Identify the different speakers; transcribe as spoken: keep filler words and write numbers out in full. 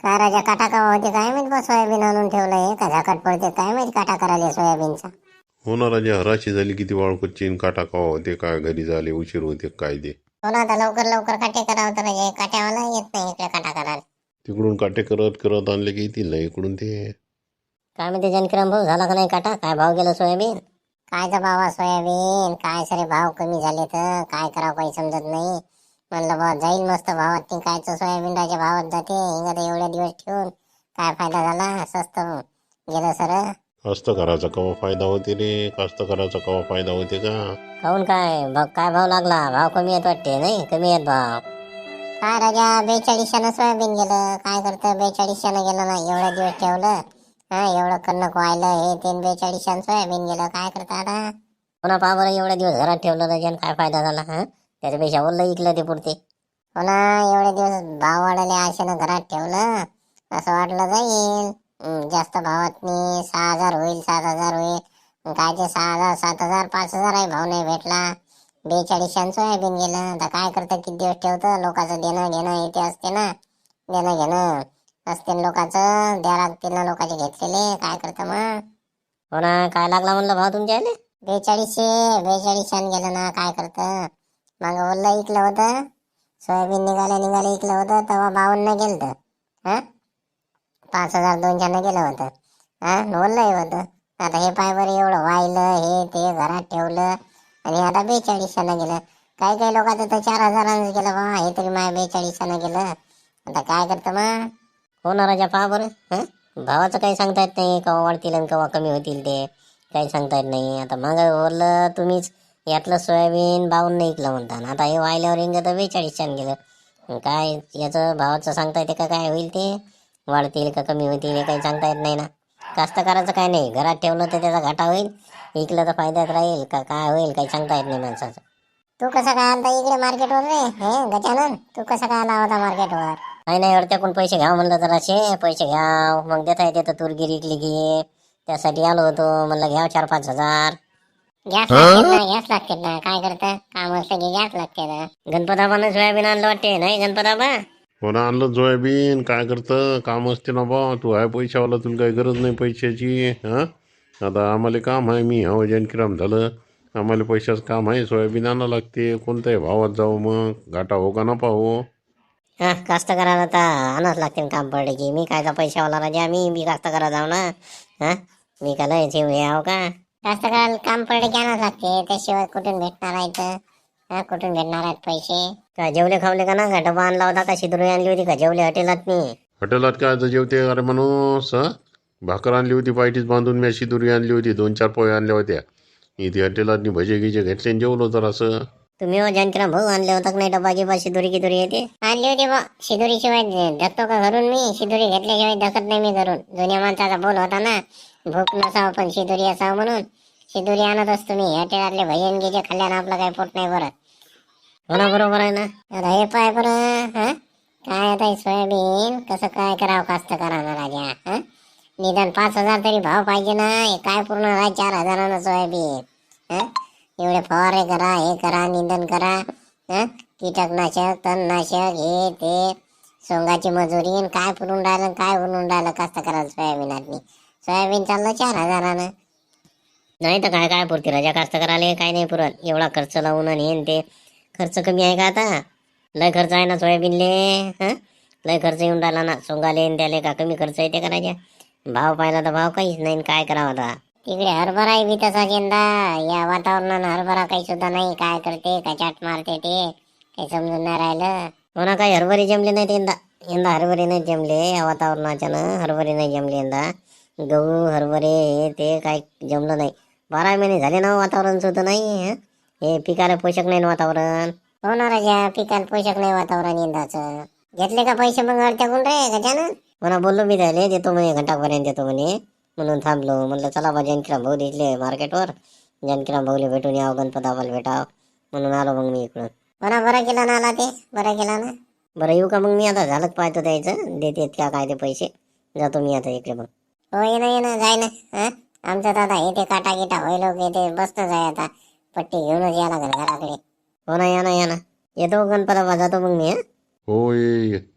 Speaker 1: काय राजा काटा का होते काय माहित बा सोयाबीन आणून ठेवलंय का झाकट पडते काय माहित काटा करायला सोयाबीनचा.
Speaker 2: हो ना राजा, हराशी झाली किती वाळकोच्ची काटा कवा होते काय घरी झाले उशीर होते काय ते.
Speaker 1: हो ना आता लवकर लवकर काटे करावं तर राजा काट्यावाला येत नाही इकडे काटा करायला.
Speaker 2: तिकडून काटे करत करत आणले की येतील ना इकडून ते.
Speaker 1: काय म्हणते जानकीराम भाऊ झाला का नाही काटा? काय भाव गेला सोयाबीन? कायचा भाव सोयाबीन काय सरे भाव कमी झाले तर काय करावं काही समजत नाही. म्हणलं बा जाईल मस्त भावात ती कायचं सोयाबीन राजा भावात जाते हिंगा तर एवढ्या दिवस ठेवून काय फायदा झाला स्वस्त गेलं सर.
Speaker 2: कास्तकाराचा कवा फायदा होते रे, कास्तकाराचा कवा फायदा होते का.
Speaker 1: काहून काय भाव काय भाव लागला? भाव कमी येत वाटते नाही कमी येत भाव. काय राजा बेचाळीसशेनं सोयाबीन गेलं काय करतं बेचाळीसशेनं गेलं ना एवढ्या दिवस ठेवलं. हा एवढं कणक व्हायलं हे तीन बेचाळीसशेनं सोयाबीन गेलं काय करता आता. पुन्हा पहा बरं एवढ्या दिवस घरात ठेवलं राजा काय फायदा झाला. हा त्याच्यापेक्षा ओलं इकलं ते पुरते. हो ना एवढे दिवस भाव वाढले आशेनं घरात ठेवलं असं वाटलं जाईल जास्त भावात नाही सहा हजार होईल सात हजार होईल काय ते सहा हजार सात हजार पाच हजार आहे भाव नाही भेटला. बेचाळीसशे सोयाबीन गेलं तर काय करतं किती दिवस ठेवतं लोकांचं देणं घेणं येते असते ना देणं घेणं असते लोकांचं द्या लागतील ना लोकांचे घेतलेले काय करतं मग. हो ना काय लागला म्हणलं भाव तुमच्या आले बेचाळीसशे बेचाळीसशे गेलं ना काय करतं. मग ओल्लं इकलं होतं सोयाबीन निघाले निघाले इकलं होतं तेव्हा बावन्न गेलं हा पाच हजार दोनशेनं गेलं होतं हा ओल्लंही होतं. आता हे पाय बरं एवढं वाहिलं हे ते घरात ठेवलं आणि आता बेचाळीसशेनं गेलं. काही काही लोकांचं तर चार हजारानं गेलं बा हे तरी माझ्या बेचाळीसशेनं गेलं आता काय करतं मग. हो ना राजा पहा बरं हं भावाचं काही सांगता येत नाही केव्हा वाढतील आणि केव्हा कमी होतील ते काही सांगता येत नाही. आता मग ओरलं तुम्हीच यातलं सोयाबीन बावन्न नाही इकलं म्हणता आता हे वाहिल्यावर इंग तर बेचाळीसशेनं गेलं काय याचं भावाचं सांगता येते का काय होईल ते वाढतील का कमी होतील हे काही सांगता येत नाही ना. कास्तकाराचं काय नाही घरात ठेवलं तर त्याचा घाटा होईल इकलं तर फायद्यात राहील का काय होईल काही सांगता येत नाही माणसाचं. तू कसं काय आलता इकडे मार्केटवर रे हे गजानन तू कसं काय आला होता मार्केटवर. नाही नाही अडत्याकडून पैसे घ्याव म्हणलं तर असे पैसे घ्याव मग देता येते तर तूर गिरी इकली की त्यासाठी आलो होतो म्हणलं घ्याव चार पाच हजार. गॅस लागते ना गॅस लागते ना काय करतं काम असलं की गॅस लागते ना. गणपताबानं सोयाबीन आणलं वाटते नाही गणपताबा.
Speaker 2: हो ना आणलं सोयाबीन काय करतं काम असते ना बा तू आहे पैशावाला तुला काही गरज नाही पैशाची. हां आता आम्हाला काम आहे मी हो जानकीराम झालं आम्हाला पैशाचं काम आहे सोयाबीन आणावं लागते कोणत्याही भावात जाऊ मग घाटा हो का नफा हो.
Speaker 1: हा कास्तकाराला तर आणाच लागते काम पडले की मी कायचा पैशावाला राजा मी मी कास्तकारा जाऊ ना. हा मी का लय ठेव याव का कास्तकाराला काम पडले की आणाच लागते त्याशिवाय कुठून भेटणार आहे तर हा कुठून भेटणार आहेत पैसे. का जेवले खावले का ना का डबा आणला होता का शिदुरी आणली होती का जेवले हॉटेलात मी.
Speaker 2: हॉटेलात काय आता जेवते अरे माणूस हं भाकर आणली होती पायटीच बांधून मी शिदुरी आणली होती दोन चार पोहे आणल्या होत्या इथे हॉटेलात भजे गिजे घेतले आणि जेवलो तर असं.
Speaker 1: तुम्ही हो जानकीराम भाऊ आणले होता का नाही डबा गिबा शिदुरी गिदुरी येते आणली होती बा शिदुरी शिवाय धकतो का घरून मी शिदुरी घेतल्याशिवाय धकत नाही मी घरून जुन्या माणसाचा बोल होता ना भूक नसावं पण शिदुरी असावं म्हणून शिदुरी आणत असतो मी हॉटेलातले भजन गिजे खाल्ल्यानं आपलं काही पोट नाही भरत. हो ना बरोबर आहे ना. आता हे पाय बरं हा काय आता सोयाबीन कसं काय करावं कास्तकारानं राजा हा निदान पाच हजार तरी भाव पाहिजे ना हे काय पूर्ण आहे चार हजारानं सोयाबीन. हा एवढे फवारे करा हे करा निंदन करा हा कीटकनाशक तणनाशक हे ते सोंगाची मजुरी काय पुरून राहिलं काय उरून राहिलं कास्तकाराला सोयाबीनातनी सोयाबीन चाललं चार हजारानं. नाही तर काय काय पुरते राजा कास्तकाराले काय नाही पुरत एवढा खर्च लावून आणि हे ते खर्च कमी आहे का आता लय खर्च आहे ना सोयाबीनले. हा लय खर्च येऊन राहिला ना सोंगाले त्याले का कमी खर्च येते का राजा. भाव पाहिला तर भाव काहीच नाही काय करावं आता. तिकडे हरभराही बी तसा यंदा या वातावरणानं हरभरा काही सुद्धा नाही काय करते काय चाट मारते ते काही समजून नाही राहिलं. हो ना काही हरभरे जमले नाहीत यंदा यंदा हरभरे नाही जमले या वातावरणाच्यानं हरभरे नाही जमले यंदा. गहू हरभरे हे ते काही जमलं नाही बारा महिने झाले ना वातावरण सुद्धा नाही हे पिकाला पोषक नाही वातावरण. हो ना राजा पिकाला पोषक नाही वातावरण यंदाचं. घेतले का पैसे मग अडत्याकडून रे गजानन. म्हणा बोललो मी त्याले देतो म्हणे घंटापर्यंत देतो म्हणे म्हणून थांबलो म्हणलं चला बा जानकीराम भाऊ दिसले मार्केटवर जानकीराम भाऊले भेटून यावं गणपताबाला भेटावं म्हणून आलो मग मी इकडून. म्हणा बरं केला ना आला ते बरं केला ना. बरं येऊ का मग मी आता झालं पाहतो द्यायचं देतेत का काय ते पैसे जातो मी आता इकडे मग. हो ये ना ये ना जाय ना हा आमचं दादा हे ते काटा गिटा होईल की ते बसतं जाय आता पट्टी घेऊनच या लागेल घराकडे. हो ना या ना या ना येतो गणपताबा जातो मग मी.
Speaker 2: हो ये